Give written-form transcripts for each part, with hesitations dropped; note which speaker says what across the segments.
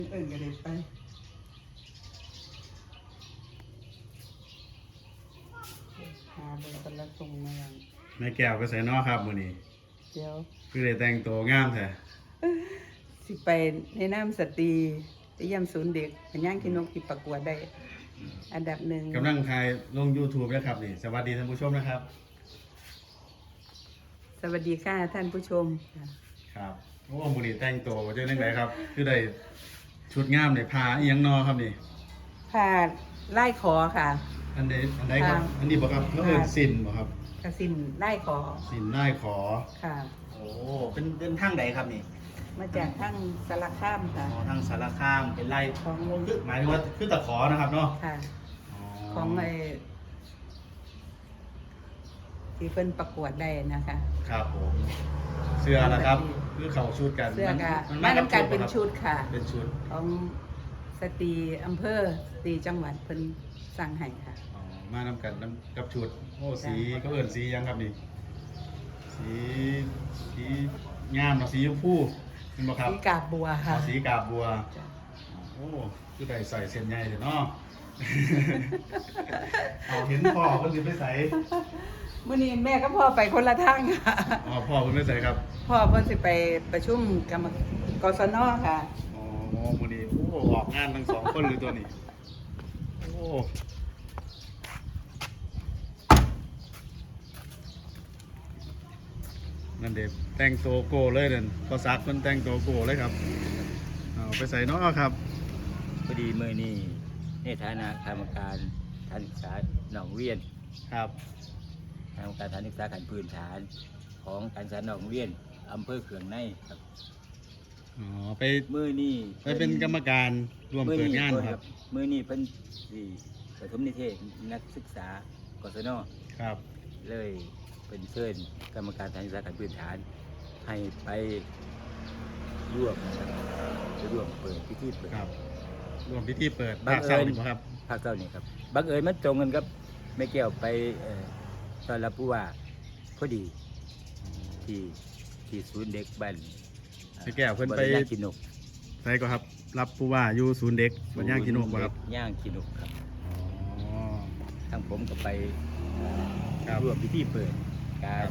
Speaker 1: เอิ้นก็ได้ไปหาเบอร์คนละส่งมาอย่าง
Speaker 2: แม่แก้วก็ใส่นอครับมื้อนี้
Speaker 1: เดี๋ยว
Speaker 2: คือได้แต่งตัวงามแท้
Speaker 1: สิไปในน้ำสตรีไปเยี่ยมศูนย์เด็กเป็นย่างที่นกที่ประกวดได้ อันดับหนึ่ง
Speaker 2: กำลังถ่ายลง YouTube นะครับนี่สวัสดีท่านผู้ชมนะครับ
Speaker 1: สวัสดีค่ะท่านผู้ชม
Speaker 2: ครับโอ้มื้อนี้แต่งตัวบ่ได้จังไดครับ คือได้ชุดงามได้ผ้าอีหยังนอครับนี่
Speaker 1: ผ่าไล่ขอค่ะ
Speaker 2: อันใดครับ
Speaker 1: ค่ะ
Speaker 2: อันนี้บ่ครับแล้วเอิ้นสินบ่ครับ
Speaker 1: กระสินไล่ขอ
Speaker 2: สินได้ขอ
Speaker 1: ค่ะ
Speaker 2: โอ้เป็นทางใดครับนี่
Speaker 1: มาจากทั้งสารคามค่ะ
Speaker 2: อ๋อทางสารคามเป็นไร่
Speaker 1: ของ
Speaker 2: คือหมายถึงว่าคือตะขอนะครับเนาะ
Speaker 1: ค่ะ ของไอ้ที่เพิ่นประกวดได้นะคะ
Speaker 2: ครับผมเสื้อนะครับคือเขาชุดกัน
Speaker 1: เสื้อกะ
Speaker 2: มัน
Speaker 1: มาน้ำกันเป็น
Speaker 2: ครับ
Speaker 1: ชุดค่ะ
Speaker 2: เป็นชุด
Speaker 1: ของสตรีอำเภอสตรีจังหวัดเพิ่นสั่งให้ค่ะ
Speaker 2: อ๋อมานำกันนำกับชุดโอ้
Speaker 1: จ้ะ
Speaker 2: สีก็เอิ้นสีหยังครับนี่สีงามเนาะสีชมพูเห็นบ่ครับ
Speaker 1: สีกาบบัว
Speaker 2: อ๋
Speaker 1: ค่ะ
Speaker 2: อสีกาบบัว
Speaker 1: จ้ะ
Speaker 2: โอ้คือได้ใส่เส้นใหญ่เลยเนาะ เอาเห็นพ่อเพิ่นสิไปใส่
Speaker 1: มื้อนี้แม่กับพ่อไปคนละทางค่ะ
Speaker 2: อ๋อพ่อเพิ่นไปใส่ครับ
Speaker 1: พ่อเพิ่นสิไปประชุมกรรมกศนค่ะ
Speaker 2: อ๋อมื้อนี้โอ้ออกงานทั้งสองคนเลยตัวนี้โอ้นั่นเด็แต่งตัวโกเลยนั่นพอซักเพิ่นแต่งตัวโกเลยครับเอาไปใส่เนาะครับ
Speaker 3: พอดีเมื่อนี้ในฐานะกรรมการฐานศึกษาหนองเวียน
Speaker 2: ครับ
Speaker 3: กรรมการฐานศึกษาขั้นพื้นฐานของการศึกษาหนองเวียนอำเภอเขื่องในครับ
Speaker 2: อ๋อไป
Speaker 3: เมื่อนี้
Speaker 2: ไปเป็นกรรมการร่วมเปิดงานครับ
Speaker 3: เมื่อนี้เป็นสี่ประถมนิเทศนักศึกษากศน
Speaker 2: ครับ
Speaker 3: เลยเป็นเชิญกรรมการฐานศึกษาขั้นพื้นฐาน ให้ไปร่วมนะครับไปร่วมเปิดพิธีเปิด
Speaker 2: ครับร่วมพิธีเปิด
Speaker 3: บั
Speaker 2: ภาง ค
Speaker 3: เอิญ
Speaker 2: เช้านี่บ่ครับ
Speaker 3: ภาคเจ้านี่ครับบังเอิญมันตรงกันครับแม่แก้วไปตอนรับผู้ว่าพอดีที่ศูนย์เด็กบ้าน
Speaker 2: แม่แก้วเพิ่นไป
Speaker 3: บริย่างกินนก
Speaker 2: ใส่ก็ครับ รับผู้ว่าอยู่ศูนย์เด็กบัดย่างกินนกบ่ครับ
Speaker 3: ย่างกินนกครับ
Speaker 2: อ๋อ
Speaker 3: ทั้งผมก็ไป
Speaker 2: ครับ
Speaker 3: ร่วมพิธีเปิดการ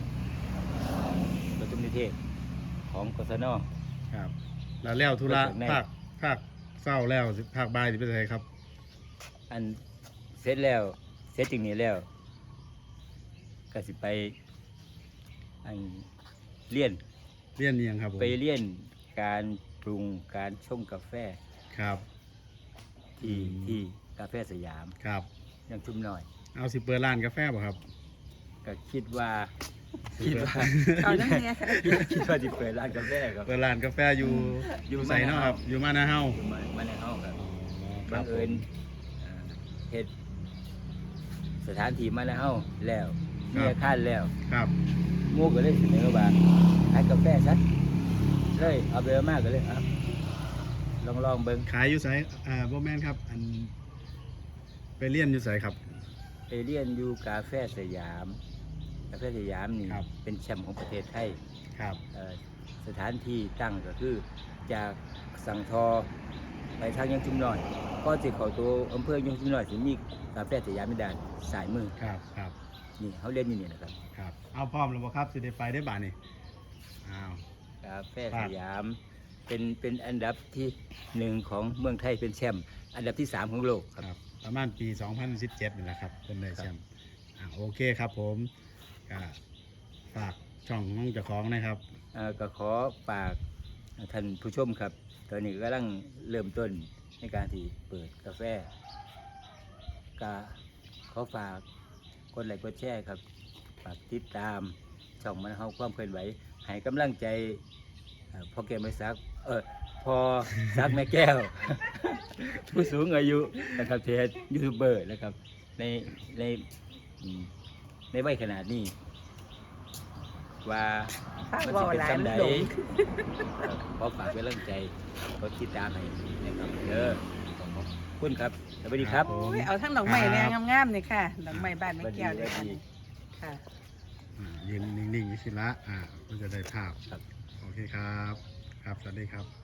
Speaker 3: ประชุมนิเทศของกศน
Speaker 2: ครับแล้วธุระ
Speaker 3: เปิดใน
Speaker 2: ภาคเศร้าแล้วสิภาคบ่ายสิไปใส่ครับ
Speaker 3: อันเสร็จแล้วเสร็จจริงนี้แล้วก็สิไปอันเรียน
Speaker 2: เรียนอิหยังครับผม
Speaker 3: ไปเรียนการปรุงการชงกาแฟ
Speaker 2: ครับ
Speaker 3: ที่กาแฟสยาม
Speaker 2: ครับ
Speaker 3: ยังชุ่มหน่อย
Speaker 2: เอาสิเปิดร้านกาแฟบ่ครับ
Speaker 3: ก็คิดว่า
Speaker 1: เอาจังเนี้ยค่ะ
Speaker 3: คิดว่าจะเปิดร้านกาแฟครับ
Speaker 2: เปิดร้านกาแฟอยู่
Speaker 3: อยู่
Speaker 2: ใส่เนาะครับ อยู่มานาเฮา
Speaker 3: อยู่มาในห้องครับ
Speaker 2: ครั
Speaker 3: บั
Speaker 2: บ
Speaker 3: ง
Speaker 2: ผ
Speaker 3: เอิญ
Speaker 2: ม
Speaker 3: เหตุสถานที่มาในห้องแล้วมีอาคารแล้ว
Speaker 2: ครับ
Speaker 3: หมู่ก็เลยเสนอว่าขายกาแฟซะเลยเอาไปเอามากก็เลยครับลองเบิ่ง
Speaker 2: ขายอยู่ไสบ่แม่นครับ อันไปเรียนอยู่ไสครับ
Speaker 3: ไปเรียนอยู่กาแฟสยามกาแฟสยามนี่
Speaker 2: ครับ
Speaker 3: เป็นแชมป์ของประเทศไทย
Speaker 2: ครับ
Speaker 3: สถานที่ตั้งก็คือจากสังทอไปทางยังชุมน้อย ก็จะเข้าตัวอำเภอยังชุมน้อยสิมีกาแฟสยามมิดานสายมือ
Speaker 2: ครับครับ
Speaker 3: นี่เขาเรียนอยู่นี่นะครับ
Speaker 2: ครับ เอาพร้อมแล้วบ่ครับสิได้ไปได้บ่านี่อ้าว
Speaker 3: กาแฟสยามเป็นอันดับที่หนึ่งของเมืองไทยเป็นแชมป์อันดับที่ 3 ของโลกค
Speaker 2: ครับ รับประมาณปี 2017นี่แหละครับเพิ่นได้แชมป์โอเคครับผมก็ฝากช่องของเจ้าของนะครับ
Speaker 3: ก็ขอฝากท่านผู้ชมครับ ตอนนี้กำลังเริ่มต้นในการที่เปิดกาแฟก็ขอฝากกดไลค์กดแชร์ครับฝากติดตามช่องมันเฮาความเคลื่อนไหวให้กำลังใจพ่อแก้วไม่ซักพอซักแม่แก้ว ผู้สูงอายุนะครับเทศยูทูบเบอร์นะครับในอืมในวัยขนาดนี้ว่า
Speaker 1: ถ้า
Speaker 3: มัน
Speaker 1: เว่า
Speaker 3: จะเป็น
Speaker 1: หลาย
Speaker 3: จำ
Speaker 1: มัน
Speaker 3: ได
Speaker 1: หลง
Speaker 3: ขอฝากเป็นกำลังใจขอติดตามให้นะครับเด้อขอบคุณครับสวัสดีครับ
Speaker 2: ผม
Speaker 1: โอ้ยเอาทั้งดอกไม้แดงงามๆนี่ค่ะดอกไม้บ้านแม่แก้วด้วยกันค่ะ
Speaker 2: ยืนนิ่งๆนี่สิละก็จะได้ภาพ
Speaker 3: ครับ
Speaker 2: โอเคครับ ครับ สวัสดีครับ